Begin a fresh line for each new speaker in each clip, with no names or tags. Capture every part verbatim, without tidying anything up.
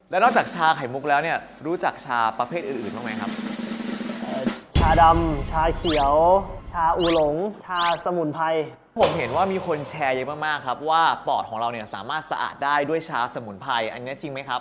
แล้วนอกจากชาไข่มุกแล้วเนี่ยรู้จักชาประเภทอื่นๆบ้างไหมครับ
ชาดำชาเขียว ชาอูหลง ชาสมุนไพร
ผมเห็นว่ามีคนแชร์เยอะมากๆครับว่าปอดของเราเนี่ยสามารถสะอาดได้ด้วยชาสมุนไพรอันนี้จริงไหมครับ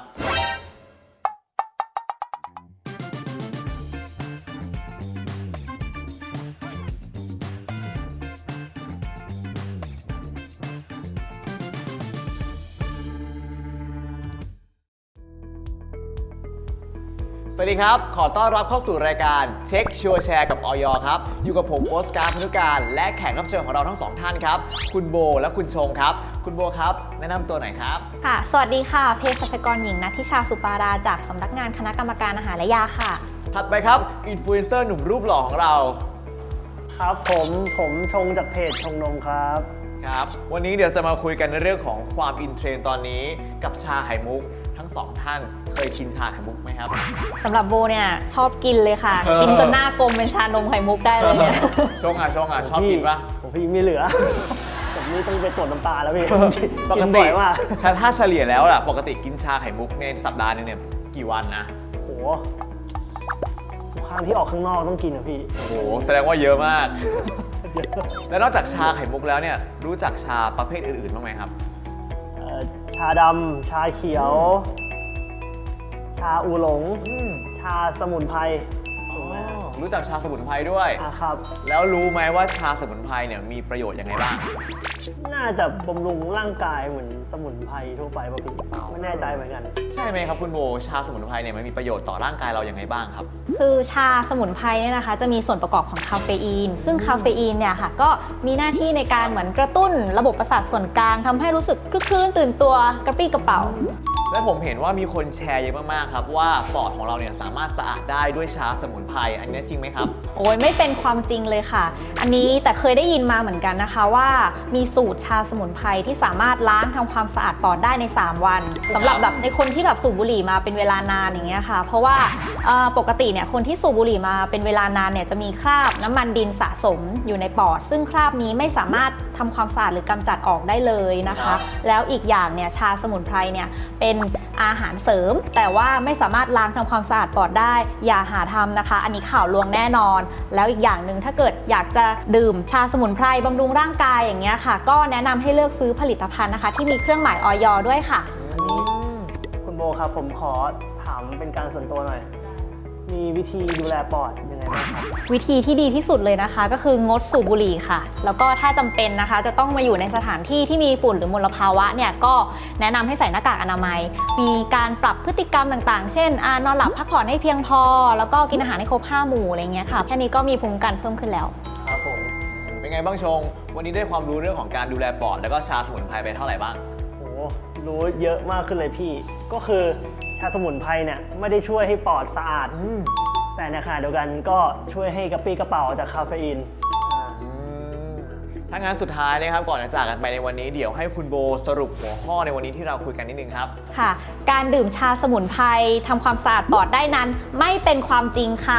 สวัสดีครับขอต้อนรับเข้าสู่รายการเช็คชัวร์แชร์กับอย.ครับอยู่กับผมโอ๊ตการ์พนุการและแขกรับเชิญของเราทั้งสองท่านครับคุณโบและคุณชงครับคุณโบครับแนะนำตัวหน่อยครับ
ค่ะสวัสดีค่ะเภสัชกรหญิงณัฐทิชาสุปาราจากสำนักงานคณะกรรมการอาหารและยาค่ะ
ถัดไปครับอินฟลูเอนเซอร์หนุ่มรูปหล่อของเรา
ครับผมผมชงจากเพจชงนมครับ
ครับวันนี้เดี๋ยวจะมาคุยกันในเรื่องของความอินเทรนด์ตอนนี้กับชาไข่มุกทั้งสองท่านเคยกินชาไข่มุกไหมครับ
สำหรับโบเนี่ยชอบกินเลยค่ะกินจนหน้ากลมเป็นชานมไข่มุกได้เลยเนี่ย
ชงอ่ะชงอ่ะชอบกินปะ
ผมพี่ไม่เหลือผมนี่ต้องไปตรวจน้ำตาแล้วพี่
ปกติว่าถ้าเฉลี่ยแล้วล่ะปกติกินชาไข่มุกในสัปดาห์นึงเนี่ยกี่วันนะ
โหทุกครั้งที่ออกข้างนอกต้องกินอ่ะพี่
โหแสดงว่าเยอะมากแล้วนอกจากชาไข่มุกแล้วเนี่ยรู้จักชาประเภทอื่นๆบ้างไหมครับ
ชาดำชาเขียว ชาอูหลงชาสมุนไพร
รู้จักชาสมุนไพรด้วย
ครับ
แล้วรู้ไหมว่าชาสมุนไพรเนี่ยมีประโยชน์ยังไงบ้าง
น่าจะบำรุงร่างกายเหมือนสมุนไพรทั่วไปป่ะพี่ไม่แน่ใจเหมือนกัน
ใช่ไหมครับคุณโบชาสมุนไพรเนี่ยมันมีประโยชน์ต่อร่างกายเรายังไงบ้างครับ
คือชาสมุนไพรเนี่ยนะคะจะมีส่วนประกอบของคาเฟอีนซึ่งคาเฟอีนเนี่ยค่ะก็มีหน้าที่ในการเหมือนกระตุ้นระบบประสาทส่วนกลางทำให้รู้สึกคลื่นตื่นตัวกระปรี้กระเป๋า
และผมเห็นว่ามีคนแชร์เยอะมากๆครับว่าปอดของเราเนี่ยสามารถสะอาดได้ด้วยชาสมุนไพรอันนี้จริงไหมครับ
โอ้ยไม่เป็นความจริงเลยค่ะอันนี้แต่เคยได้ยินมาเหมือนกันนะคะว่ามีสูตรชาสมุนไพรที่สามารถล้างทำความสะอาดปอดได้ในสามวันสำหรับแบบในคนที่แบบสูบบุหรี่มาเป็นเวลานานอย่างเงี้ยค่ะเพราะว่าปกติเนี่ยคนที่สูบบุหรี่มาเป็นเวลานานเนี่ยจะมีคราบน้ำมันดินสะสมอยู่ในปอดซึ่งคราบนี้ไม่สามารถทำความสะอาดหรือกำจัดออกได้เลยนะคะแล้วอีกอย่างเนี่ยชาสมุนไพรเนี่ยเป็นอาหารเสริมแต่ว่าไม่สามารถล้างทำความสะอาดปอดได้อย่าหาทำนะคะอันนี้ข่าวลวงแน่นอนแล้วอีกอย่างหนึ่งถ้าเกิดอยากจะดื่มชาสมุนไพรบำรุงร่างกายอย่างเงี้ยค่ะก็แนะนำให้เลือกซื้อผลิตภัณฑ์นะคะที่มีเครื่องหมายอย.ด้วยค่ะ
อันนี้คุณโบครับผมขอถามเป็นการส่วนตัวหน่อยมีวิธีดูแลปอดยังไงบ้างครับ
วิธีที่ดีที่สุดเลยนะคะก็คืองดสูบบุหรี่ค่ะแล้วก็ถ้าจำเป็นนะคะจะต้องมาอยู่ในสถานที่ที่มีฝุ่นหรือมลภาวะเนี่ยก็แนะนำให้ใส่หน้ากากอนามัยมีการปรับพฤติกรรมต่างๆเช่นนอนหลับพักผ่อนให้เพียงพอแล้วก็กินอาหารให้ครบห้าหมู่อะไรเงี้ยค่ะแค่นี้ก็มีภูมิคุ้มกันเพิ่มขึ้นแล้ว
ครับผมเป็นไงบ้างชงวันนี้ได้ความรู้เรื่องของการดูแลปอดแล้วก็ชาสมุนไพรไปเท่าไหร่บ้าง
โอ้รู้เยอะมากขึ้นเลยพี่ก็คือชาสมุนไพรเนี่ยไม่ได้ช่วยให้ปอดสะอาดแต่ในขณะเดียวกันก็ช่วยให้กระปรี้กระเป๋าจากคาเฟอีน
ถ้างั้นสุดท้ายนะครับก่อนจะจากกันไปในวันนี้เดี๋ยวให้คุณโบสรุปหัวข้อในวันนี้ที่เราคุยกันนิดนึงครับ
ค่ะการดื่มชาสมุนไพรทำความสะอาดปอดได้นั้นไม่เป็นความจริงค่ะ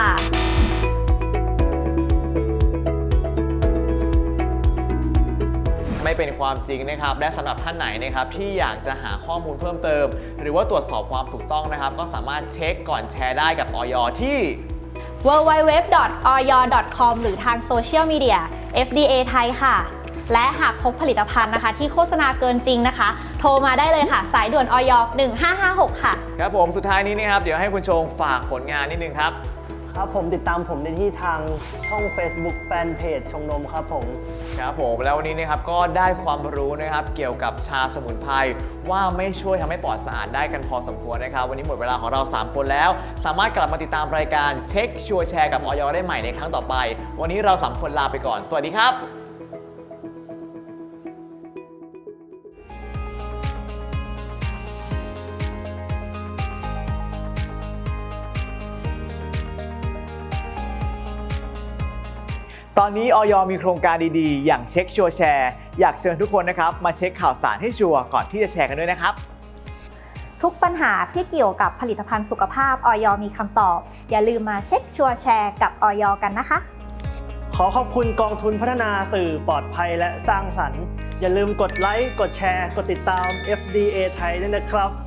ไม่เป็นความจริงนะครับและสำหรับท่านไหนนะครับที่อยากจะหาข้อมูลเพิ่มเติมหรือว่าตรวจสอบความถูกต้องนะครับก็สามารถเช็คก่อนแชร์ได้กับอย.ที่
ดับเบิลยู ดับเบิลยู ดับเบิลยู ดอท ออย ดอท คอม หรือทางโซเชียลมีเดีย เอฟ ดี เอ ไทยค่ะและหากพบผลิตภัณฑ์นะคะที่โฆษณาเกินจริงนะคะโทรมาได้เลยค่ะสายด่วนอย หนึ่งห้าห้าหกค่ะ
ครับผมสุดท้ายนี้นะครับเดี๋ยวให้คุณชงฝากผลงานนิดนึงครับ
ครับผมติดตามผมได้ที่ทางช่อง Facebook Fanpage ชงนมครับผม
ครับผมแล้ววันนี้นะครับก็ได้ความรู้นะครับเกี่ยวกับชาสมุนไพรว่าไม่ช่วยทำให้ปอดสะอาดได้กันพอสมควรนะครับวันนี้หมดเวลาของเราสามคนแล้วสามารถกลับมาติดตามรายการเช็คชัวร์แชร์กับอย.ได้ใหม่ในครั้งต่อไปวันนี้เราสามคนลาไปก่อนสวัสดีครับตอนนี้อย.มีโครงการดีๆอย่างเช็คชัวร์แชร์อยากเชิญทุกคนนะครับมาเช็คข่าวสารให้ชัวร์ก่อนที่จะแชร์กันด้วยนะครับ
ทุกปัญหาที่เกี่ยวกับผลิตภัณฑ์สุขภาพอย.มีคำตอบอย่าลืมมาเช็คชัวร์แชร์กับอย.กันนะคะ
ขอขอบคุณกองทุนพัฒนาสื่อปลอดภัยและสร้างสรรค์อย่าลืมกดไลค์กดแชร์กดติดตาม เอฟ ดี เอ ไทยด้วยนะครับ